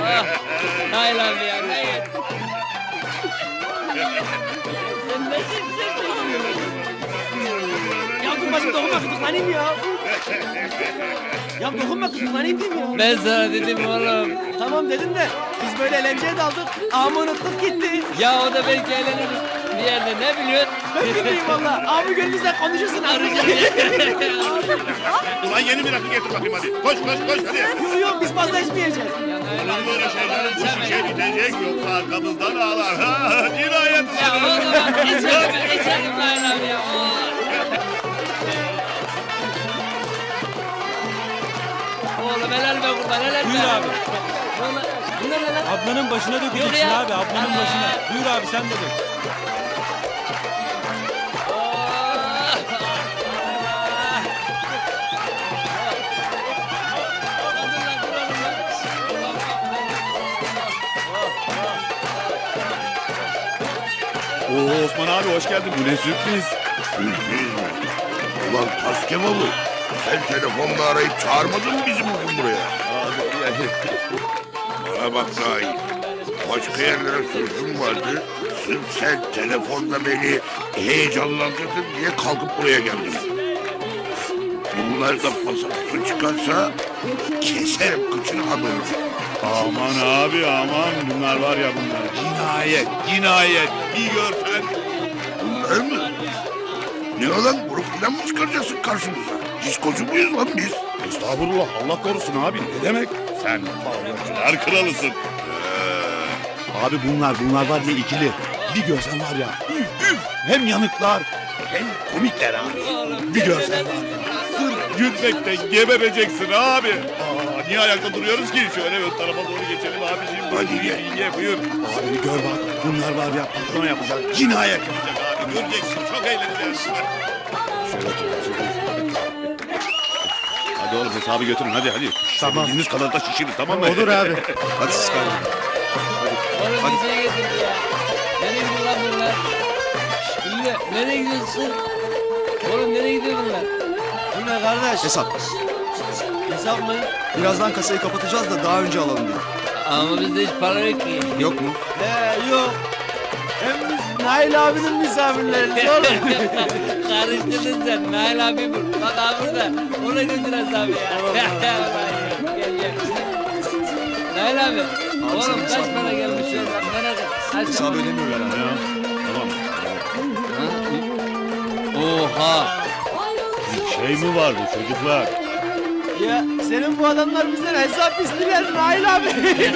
Nail abi ya. Nail. Sen nesin? Ya dur başım dokunma gıdıklanayım ya. Ya dokunma gıdıklanayım diyeyim ya. Ben sana dedim oğlum. Tamam dedim de biz böyle eğlenceye daldık. Ağamı unuttuk gitti. Ya o da belki eğleniriz bir yerde, ne biliyorsun? Ben bilmiyorum valla. Ağamı gönlünüzden konuşursun arayacağım. Ulan yeni bir rakı getir bakayım hadi. Koş hadi. Yok yok biz fazla içmeyeceğiz. Ulan böyle şeyler bu şişe bitecek yoksa arkamızdan ağlar. Ha, cinayet Ya ulan. o zaman geçelim Nail abi ya. Oğlum helal be kurban, helal be. Buyur abi. Bunlar ne lan? Ablanın başına dökeceksin ya. abi, ablanın başına. Buyur abi sen de dök. Oo Osman abi hoş geldin. Bu ne sürpriz. Sürpriz mi? Ulan tas kebabı. Sen telefonla arayıp çağırmadın mı bizi bugün buraya? Bana bak daha iyi. Başka yerlere sözüm vardı. Sırf sen telefonla beni heyecanlandırdın diye kalkıp buraya geldim. Bunlar da pasaport çıkarsa keserim kıçını haberim. Aman abi aman. Bunlar var ya bunlar. Cinayet. Bir görsen. Bunlar mı? Ne lan grup falan mı çıkaracaksın karşımıza? Diskocu muyuz lan biz? Estağfurullah Allah korusun abi. Ne demek? Sen bağlacılar kralısın. Abi bunlar var ya ikili. Bir görsen var ya. Üf. Hem yanıklar hem komikler abi. Bir görsen var ya. Sırf gülmekten gebereceksin abi. Niye ayakta duruyoruz ki? Şöyle ön tarafa doğru geçelim abiciğim. Hadi gel. Ye buyur. Abi gör bak bunlar var ya patron yapacak. Cinayet yapacak abi. Göreceksin çok eğleneceğiz. Hadi oğlum hesabı götürün hadi. Tamam. Bildiğiniz kadar da şişirin tamam mı? Olur abi. Hadi siz kalın. Oğlum bir şey getirdi ya. Nereye gidiyor lan bunlar? Ünlü, nereye gidiyorsun? Oğlum nereye gidiyor bunlar? Bu ne kardeş? Hesap. Hesap mı? Birazdan kasayı kapatacağız da daha önce alalım diye. Ama bizde hiç para yok ki. Yok mu? Yok. Hem biz Nail abinin misafirleriyiz oğlum. Karıştırdın sen. Nail abi bu. Bak abi burada. Ona götür hesabı ya. Gel. Nail abi. Oğlum kaç para gelmiş oradan merak et. Hesabı ödemiyorlar abi. Tamam. Oha. Şey mi vardı çocuklar? Ya senin bu adamlar bizden hesap istiyorlar Nail abi.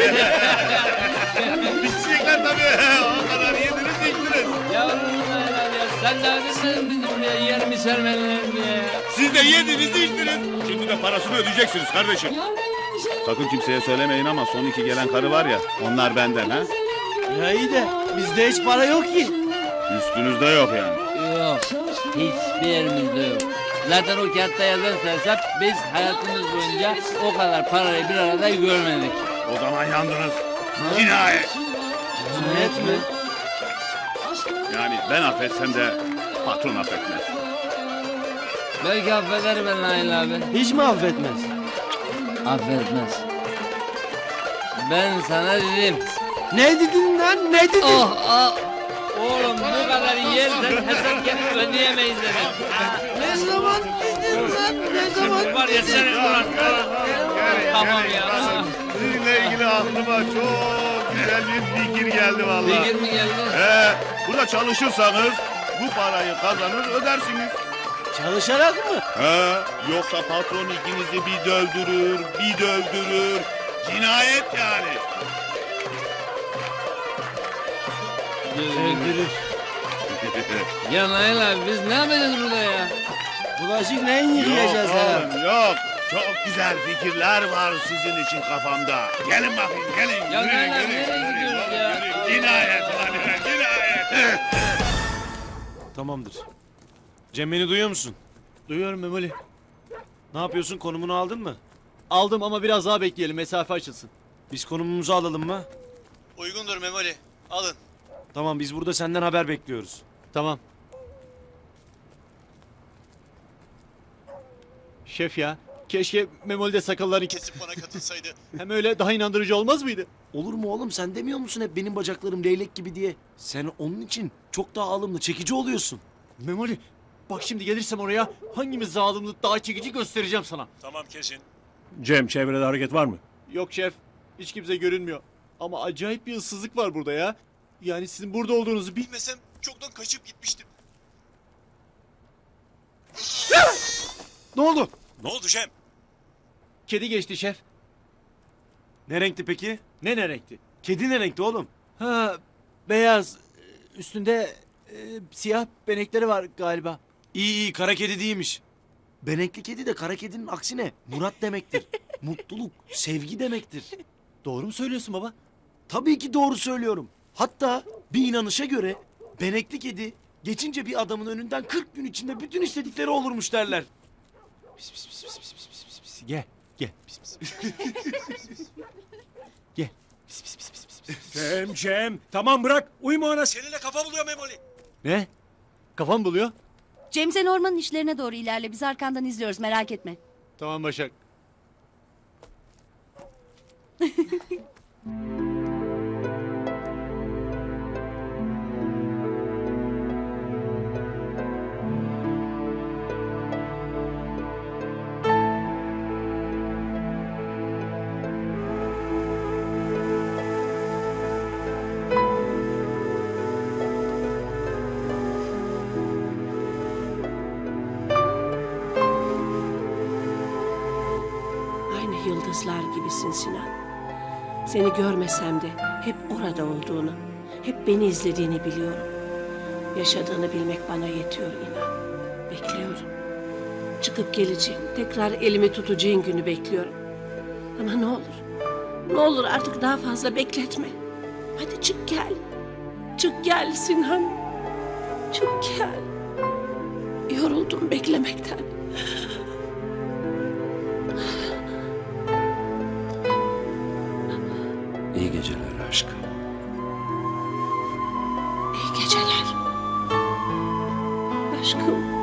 Bitecekler tabii. O kadar yediniz içtiniz. Ya oğlum Nail abi ya. Sen daha bilmedin bizim buraya yer mi sermelerin diye. Siz de yediniz içtiniz. Şimdi de parasını ödeyeceksiniz kardeşim. Sakın kimseye söylemeyin ama son iki gelen karı var ya onlar benden ha. Ya iyi de bizde hiç para yok ki. Üstünüzde yok yani. Yok. Hiçbir yerimizde yok. Zaten o kağıtta yazarsa hesap biz hayatımız boyunca o kadar parayı bir arada görmedik. O zaman yandınız. Cinayet. Cinayet mi? Yani ben affetsem de patron affetmez. Belki affeder ben Nail abi. Hiç mi affetmez? Affetmez. Ben sana dedim. Ne dedin lan? Ne dedin? Oh. Oğlum bu kadar yersen hesap gelip ödeyemeyiz dedim. Ne zaman dedin lan? Ne zaman? Var ya sen ulan. Tamam ya. Sizinle ilgili aklıma çok güzel bir fikir geldi vallahi. Fikir mi geldi? Burada çalışırsanız bu parayı kazanır ödersiniz. Çalışarak mı? Yoksa patron ikinizi bir dövdürür. Cinayet yani. Öldürür. Ya Nail abi biz ne yapacağız burada ya? Bulaşık neyin yıkayacağız ha? Yok. Çok güzel fikirler var sizin için kafamda. Gelin bakayım gelin. Ya Yürüyün, nereden, yürüyün, nereye yürüyün, gidiyoruz ya? yürüyün. Cinayet lan cinayet. Tamamdır. Cem beni duyuyor musun? Duyuyorum Memoli. Ne yapıyorsun, konumunu aldın mı? Aldım ama biraz daha bekleyelim, mesafe açılsın. Biz konumumuzu alalım mı? Uygundur Memoli. Alın. Tamam, biz burada senden haber bekliyoruz. Tamam. Şef ya, Keşke Memoli de sakallarını kesip bana katılsaydı. Hem öyle daha inandırıcı olmaz mıydı? Olur mu oğlum, sen demiyor musun hep benim bacaklarım leylek gibi diye? Sen onun için çok daha alımlı, çekici oluyorsun. Memoli bak şimdi gelirsem oraya hangimiz zalimli daha çekici göstereceğim sana. Tamam kesin. Cem, çevrede hareket var mı? Yok şef, hiç kimse görünmüyor. Ama acayip bir ıssızlık var burada ya. Yani sizin burada olduğunuzu bilmesem çoktan kaçıp gitmiştim. Ne oldu? Ne oldu Cem? Kedi geçti şef. Ne renkti peki? Ne renkti? Kedi ne renkti oğlum? Ha, beyaz. Üstünde siyah benekleri var galiba. İyi kara kedi değilmiş. Benekli kedi de kara kedinin aksine Murat demektir. Mutluluk, sevgi demektir. Doğru mu söylüyorsun baba? Tabii ki doğru söylüyorum. Hatta bir inanışa göre benekli kedi geçince bir adamın önünden 40 gün içinde bütün istedikleri olurmuş derler. Gel. Gel. Gel. Cem. Tamam bırak. Uyma ona. Seninle kafa buluyor Memoli. Ne? Kafam buluyor. Cem sen ormanın işlerine doğru ilerle. Biz arkandan izliyoruz, merak etme. Tamam Başak. Aynı yıldızlar gibisin Sinan. Seni görmesem de hep orada olduğunu, hep beni izlediğini biliyorum. Yaşadığını bilmek bana yetiyor inan. Bekliyorum. Çıkıp geleceğin, tekrar elimi tutacağın günü bekliyorum. Ama ne olur, ne olur artık daha fazla bekletme. Hadi çık gel. Çık gel Sinan. Çık gel. Yoruldum beklemekten. İyi geceler aşkım. İyi geceler. Aşkım.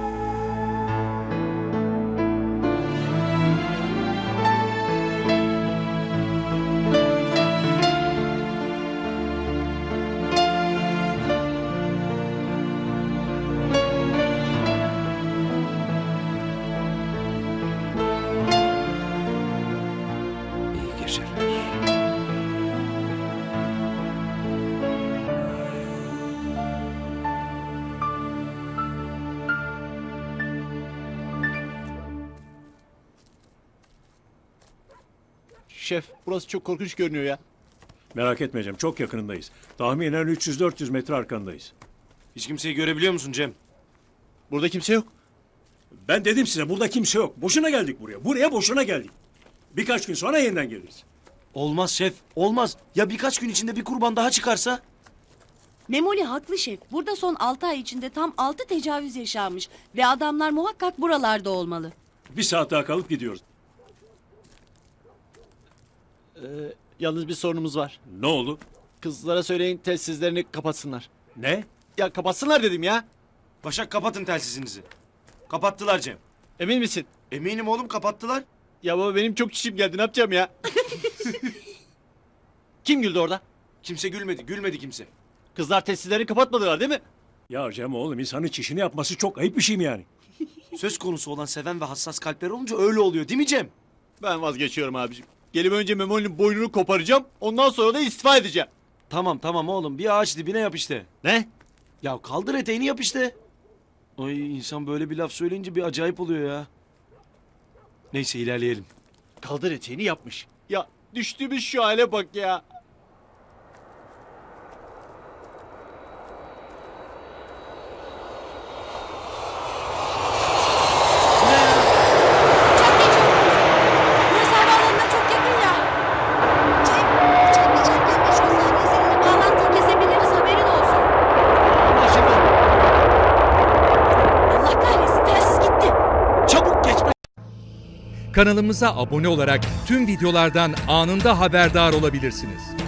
İyi geceler. Şef, burası çok korkunç görünüyor ya. Merak etme Cem. Çok yakınındayız. Tahminen 300-400 metre arkandayız. Hiç kimseyi görebiliyor musun Cem? Burada kimse yok. Ben dedim size burada kimse yok. Boşuna geldik buraya. Buraya boşuna geldik. Birkaç gün sonra yeniden geliriz. Olmaz şef, olmaz. Ya birkaç gün içinde bir kurban daha çıkarsa? Memoli haklı şef. Burada son 6 ay içinde tam 6 tecavüz yaşanmış. Ve adamlar muhakkak buralarda olmalı. Bir saat daha kalıp gidiyoruz. Yalnız bir sorunumuz var. Ne oldu? Kızlara söyleyin telsizlerini kapatsınlar. Ne? Ya kapatsınlar dedim ya. Başak kapatın telsizinizi. Kapattılar Cem. Emin misin? Eminim oğlum kapattılar. Ya baba benim çok çişim geldi ne yapacağım ya? Kim güldü orada? Kimse gülmedi kimse. Kızlar telsizlerini kapatmadılar değil mi? Ya Cem oğlum insanın çişini yapması çok ayıp bir şey mi yani? Söz konusu olan seven ve hassas kalpler olunca öyle oluyor değil mi Cem? Ben vazgeçiyorum abicim. Gelip önce Memoli'nin boynunu koparacağım. Ondan sonra da istifa edeceğim. Tamam oğlum bir ağaç dibine yap işte. Ne? Ya kaldır eteğini yap işte. Ay insan böyle bir laf söyleyince bir acayip oluyor ya. Neyse ilerleyelim. Kaldır eteğini yapmış. Ya düştüğümüz şu hale bak ya. Burası havaalanına çok yakın ya. Cem geçerken 5-10 saniye seninle bağlantıyı kesebiliriz, haberin olsun. Anlaşıldı. Allah kahretsin, telsiz gitti. Çabuk geçme. Kanalımıza abone olarak tüm videolardan anında haberdar olabilirsiniz.